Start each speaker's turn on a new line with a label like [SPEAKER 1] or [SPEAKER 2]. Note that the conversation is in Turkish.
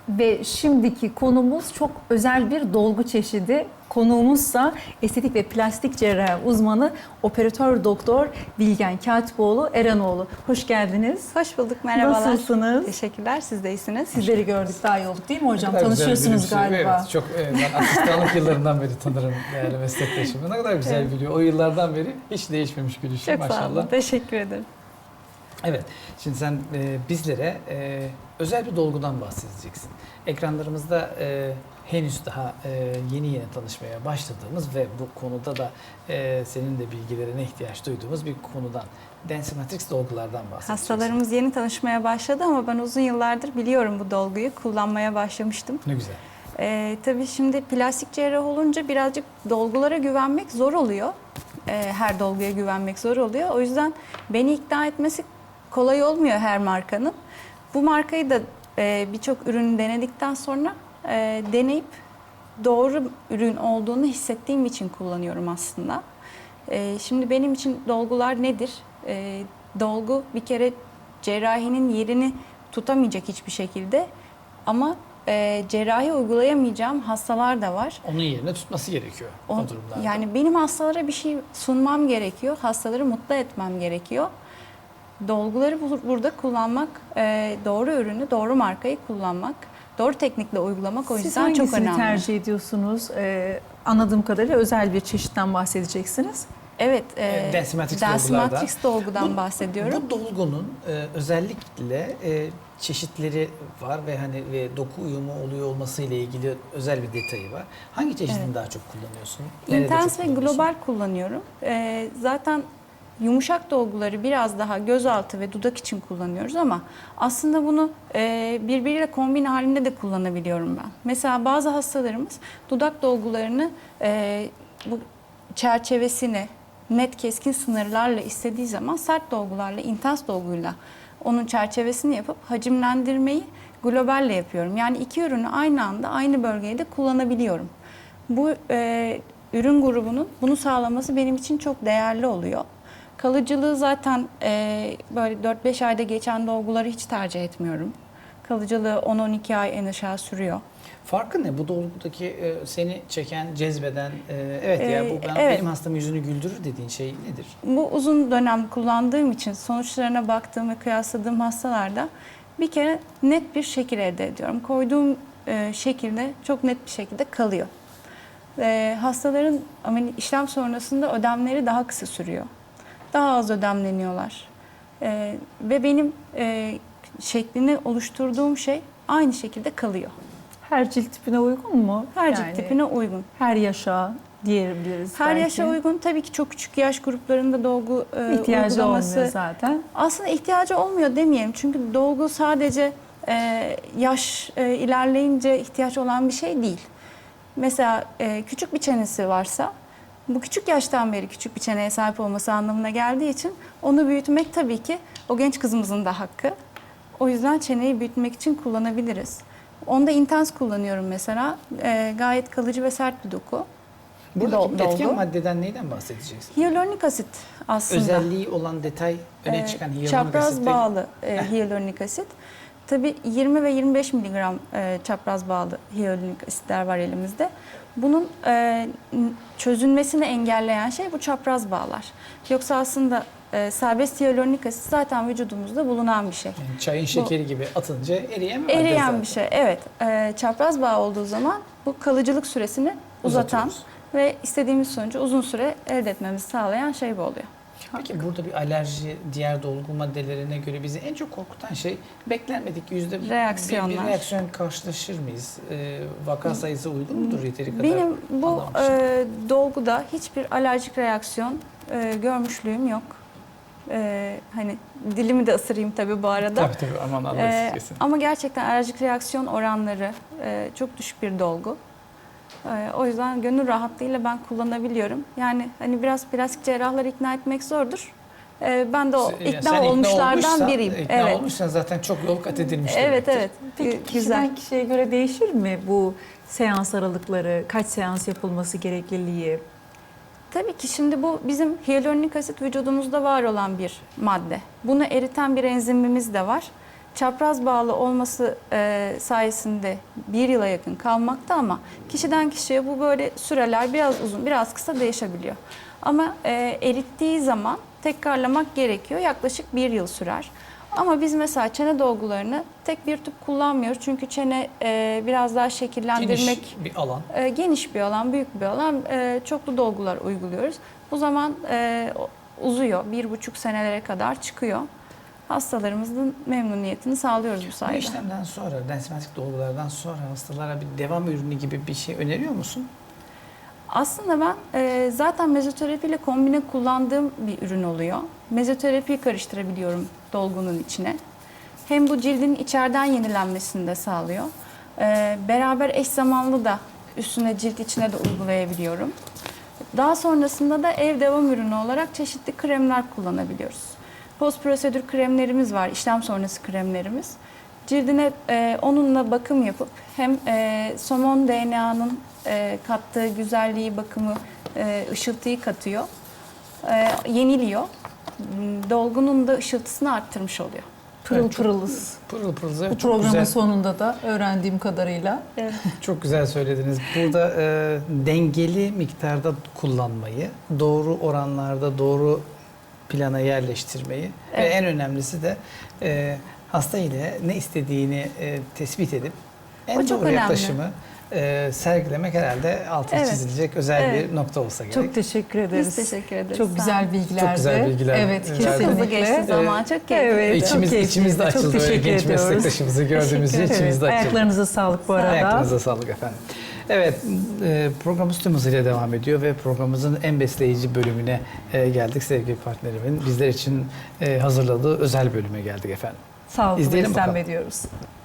[SPEAKER 1] Ve şimdiki konumuz çok özel bir dolgu çeşidi. Konuğumuzsa estetik ve plastik cerrahi uzmanı operatör doktor Bilgen Katipoğlu Eranoğlu. Hoş geldiniz.
[SPEAKER 2] Hoş bulduk, merhabalar.
[SPEAKER 1] Nasılsınız?
[SPEAKER 2] Teşekkürler, siz de iyisiniz.
[SPEAKER 1] Sizleri gördük, daha iyi olduk değil mi hocam?
[SPEAKER 3] Ne kadar
[SPEAKER 1] Tanışıyorsunuz
[SPEAKER 3] güzel gülümsüyor.
[SPEAKER 1] galiba.
[SPEAKER 3] Evet, çok ben asistanlık yıllarından beri tanırım değerli meslektaşımı. Ne kadar güzel
[SPEAKER 2] Evet.
[SPEAKER 3] gülüyor. O yıllardan beri hiç değişmemiş gülüşü
[SPEAKER 2] Çok
[SPEAKER 3] maşallah.
[SPEAKER 2] sağ olun, teşekkür ederim.
[SPEAKER 3] Evet, şimdi sen bizlere özel bir dolgudan bahsedeceksin. Ekranlarımızda henüz daha yeni tanışmaya başladığımız ve bu konuda da senin de bilgilerine ihtiyaç duyduğumuz bir konudan, Densimatrix dolgulardan bahsedeceksin.
[SPEAKER 2] Hastalarımız yeni tanışmaya başladı ama ben uzun yıllardır biliyorum bu dolguyu, kullanmaya başlamıştım.
[SPEAKER 3] Ne güzel.
[SPEAKER 2] Tabii şimdi plastik cerrah olunca birazcık dolgulara güvenmek zor oluyor. Her dolguya güvenmek zor oluyor. O yüzden beni ikna etmesi kolay olmuyor her markanın. Bu markayı da birçok ürünü denedikten sonra deneyip doğru ürün olduğunu hissettiğim için kullanıyorum aslında. Şimdi benim için dolgular nedir? Dolgu bir kere cerrahinin yerini tutamayacak hiçbir şekilde ama cerrahi uygulayamayacağım hastalar da var.
[SPEAKER 3] Onun yerine tutması gerekiyor o durumlarda.
[SPEAKER 2] Yani benim hastalara bir şey sunmam gerekiyor, hastaları mutlu etmem gerekiyor. Dolguları burada kullanmak, doğru ürünü, doğru markayı kullanmak, doğru teknikle uygulamak o yüzden çok önemli.
[SPEAKER 1] Siz hangisini tercih ediyorsunuz? Anladığım kadarıyla özel bir çeşitten bahsedeceksiniz.
[SPEAKER 2] Evet,
[SPEAKER 3] Densimatrix
[SPEAKER 2] dolgudan bahsediyorum.
[SPEAKER 3] Bu dolgunun özellikle çeşitleri var ve doku uyumu oluyor olması ile ilgili özel bir detayı var. Hangi çeşidini daha çok kullanıyorsun? Nerede
[SPEAKER 2] İntens
[SPEAKER 3] çok
[SPEAKER 2] ve
[SPEAKER 3] kullanıyorsun?
[SPEAKER 2] global kullanıyorum. Zaten yumuşak dolguları biraz daha gözaltı ve dudak için kullanıyoruz ama aslında bunu birbiriyle kombin halinde de kullanabiliyorum ben. Mesela bazı hastalarımız dudak dolgularını bu çerçevesini net keskin sınırlarla istediği zaman sert dolgularla, intens dolguyla onun çerçevesini yapıp hacimlendirmeyi globalle yapıyorum. Yani iki ürünü aynı anda aynı bölgede kullanabiliyorum. Bu ürün grubunun bunu sağlaması benim için çok değerli oluyor. Kalıcılığı zaten böyle 4-5 ayda geçen dolguları hiç tercih etmiyorum. Kalıcılığı 10-12 ay en aşağı sürüyor.
[SPEAKER 3] Farkı ne? Bu dolgudaki seni çeken, cezbeden,
[SPEAKER 2] Evet.
[SPEAKER 3] benim hastamın yüzünü güldürür dediğin şey nedir?
[SPEAKER 2] Bu uzun dönem kullandığım için sonuçlarına baktığım ve kıyasladığım hastalarda bir kere net bir şekil elde ediyorum. Koyduğum şekilde çok net bir şekilde kalıyor. Hastaların işlem sonrasında ödemleri daha kısa sürüyor. Daha az ödemleniyorlar. Ve benim şeklini oluşturduğum şey aynı şekilde kalıyor.
[SPEAKER 1] Her cilt tipine uygun mu?
[SPEAKER 2] Her cilt tipine uygun.
[SPEAKER 1] Her yaşa diyebiliriz
[SPEAKER 2] Her
[SPEAKER 1] belki.
[SPEAKER 2] yaşa uygun. Tabii ki çok küçük yaş gruplarında dolgu
[SPEAKER 1] İhtiyacı
[SPEAKER 2] uygulaması
[SPEAKER 1] olmuyor zaten.
[SPEAKER 2] aslında ihtiyacı olmuyor demeyelim. Çünkü dolgu sadece yaş ilerleyince ihtiyaç olan bir şey değil. Mesela küçük bir çenesi varsa bu küçük yaştan beri küçük bir çeneye sahip olması anlamına geldiği için onu büyütmek tabii ki o genç kızımızın da hakkı. O yüzden çeneyi büyütmek için kullanabiliriz. Onda intens kullanıyorum mesela. Gayet kalıcı ve sert bir doku.
[SPEAKER 3] Buradaki etken
[SPEAKER 2] dolgu.
[SPEAKER 3] maddeden neyden bahsedeceksin?
[SPEAKER 2] Hyaluronik asit aslında.
[SPEAKER 3] Özelliği olan detay öne çıkan hyaluronik
[SPEAKER 2] Çapraz
[SPEAKER 3] asit.
[SPEAKER 2] bağlı hyaluronik asit. Tabii 20 ve 25 miligram çapraz bağlı hyaluronik asitler var elimizde. Bunun çözünmesini engelleyen şey bu çapraz bağlar. Yoksa aslında serbest hyaluronik asit zaten vücudumuzda bulunan bir şey.
[SPEAKER 3] Yani çayın şekeri gibi atınca eriyen bir madde
[SPEAKER 2] Eriyen
[SPEAKER 3] zaten.
[SPEAKER 2] bir şey, evet. Çapraz bağ olduğu zaman bu kalıcılık süresini uzatan
[SPEAKER 3] Uzatıyoruz.
[SPEAKER 2] ve istediğimiz sonucu uzun süre elde etmemizi sağlayan şey bu oluyor.
[SPEAKER 3] Peki burada bir alerji, diğer dolgu maddelerine göre bizi en çok korkutan şey beklenmedik bir
[SPEAKER 2] Reaksiyonlar.
[SPEAKER 3] reaksiyon karşılaşır mıyız? Vaka sayısı uygun mudur yeteri kadar?
[SPEAKER 2] Benim bu
[SPEAKER 3] anlamışsın?
[SPEAKER 2] dolguda hiçbir alerjik reaksiyon görmüşlüğüm yok. Hani dilimi de ısırayım tabii bu arada.
[SPEAKER 3] Tabii aman anlarız kesin.
[SPEAKER 2] Ama gerçekten alerjik reaksiyon oranları çok düşük bir dolgu. O yüzden gönül rahatlığıyla ben kullanabiliyorum. Yani hani biraz plastik cerrahları ikna etmek zordur. Ben de o
[SPEAKER 3] Sen
[SPEAKER 2] ikna olmuşlardan biriyim.
[SPEAKER 3] İkna olmuşsan zaten çok yol kat edilmiş
[SPEAKER 2] Evet,
[SPEAKER 3] demektir.
[SPEAKER 2] evet.
[SPEAKER 1] Peki kişiden kişiye göre değişir mi bu seans aralıkları, kaç seans yapılması gerekliliği?
[SPEAKER 2] Tabii ki şimdi bu bizim hyaluronik asit vücudumuzda var olan bir madde. Bunu eriten bir enzimimiz de var. çapraz bağlı olması sayesinde 1 yıla yakın kalmakta ama kişiden kişiye bu böyle süreler biraz uzun, biraz kısa değişebiliyor. Ama erittiği zaman tekrarlamak gerekiyor. Yaklaşık 1 yıl sürer. Ama biz mesela çene dolgularını tek bir tüp kullanmıyoruz. Çünkü çene biraz daha şekillendirmek...
[SPEAKER 3] Geniş bir alan.
[SPEAKER 2] Geniş bir alan, büyük bir alan. Çoklu dolgular uyguluyoruz. Bu zaman uzuyor. 1,5 senelere kadar çıkıyor. Hastalarımızın memnuniyetini sağlıyoruz bu
[SPEAKER 3] Bu
[SPEAKER 2] sayede.
[SPEAKER 3] işlemden sonra, densimetrik dolgulardan sonra hastalara bir devam ürünü gibi bir şey öneriyor musun?
[SPEAKER 2] Aslında ben zaten mezoterapi ile kombine kullandığım bir ürün oluyor. Mezoterapiyi karıştırabiliyorum dolgunun içine. Hem bu cildin içeriden yenilenmesini de sağlıyor. Beraber eş zamanlı da üstüne cilt içine de uygulayabiliyorum. Daha sonrasında da ev devam ürünü olarak çeşitli kremler kullanabiliyoruz. Post prosedür kremlerimiz var, işlem sonrası kremlerimiz. Cildine onunla bakım yapıp hem somon DNA'nın kattığı güzelliği, bakımı, ışıltıyı katıyor, yeniliyor. Dolgunun da ışıltısını arttırmış oluyor.
[SPEAKER 1] Pırıl
[SPEAKER 3] Evet, çok-
[SPEAKER 1] pırılız.
[SPEAKER 3] Pırıl pırıl.
[SPEAKER 1] Bu
[SPEAKER 3] Çok
[SPEAKER 1] programın
[SPEAKER 3] güzel,
[SPEAKER 1] sonunda da öğrendiğim kadarıyla.
[SPEAKER 3] çok güzel söylediniz. Burada dengeli miktarda kullanmayı, doğru oranlarda, doğru plana yerleştirmeyi ve
[SPEAKER 2] Evet.
[SPEAKER 3] en önemlisi de hasta ile ne istediğini tespit edip en
[SPEAKER 2] O çok
[SPEAKER 3] doğru
[SPEAKER 2] önemli.
[SPEAKER 3] yaklaşımı sergilemek herhalde altı
[SPEAKER 2] Evet.
[SPEAKER 3] çizilecek özel
[SPEAKER 2] Evet.
[SPEAKER 3] bir nokta olsa gerek.
[SPEAKER 1] Çok teşekkür ederiz.
[SPEAKER 2] Biz teşekkür ederiz.
[SPEAKER 1] Çok
[SPEAKER 2] Sağ
[SPEAKER 1] güzel
[SPEAKER 2] olun.
[SPEAKER 1] bilgilerdi.
[SPEAKER 3] Çok güzel bilgiler.
[SPEAKER 1] Evet,
[SPEAKER 3] Çok
[SPEAKER 1] kesinlikle.
[SPEAKER 2] Çok hızlı geçti zaman, çok keyifli.
[SPEAKER 1] Evet, çok
[SPEAKER 3] İçimiz
[SPEAKER 1] keyifliydi.
[SPEAKER 3] de
[SPEAKER 1] Çok
[SPEAKER 3] açıldı. Böyle
[SPEAKER 1] teşekkür
[SPEAKER 3] genç
[SPEAKER 1] ediyoruz.
[SPEAKER 3] meslektaşımızı gördüğümüz için
[SPEAKER 1] Evet,
[SPEAKER 3] içimiz de açıldı.
[SPEAKER 1] ayaklarınıza sağlık bu arada.
[SPEAKER 3] Ayaklarınıza sağlık efendim. Evet, programımız tüm hızıyla devam ediyor ve programımızın en besleyici bölümüne geldik. Sevgili partnerimin bizler için hazırladığı özel bölüme geldik efendim.
[SPEAKER 1] Sağlıklı
[SPEAKER 3] İzleyelim
[SPEAKER 1] beslenme
[SPEAKER 3] bakalım.
[SPEAKER 1] diyoruz.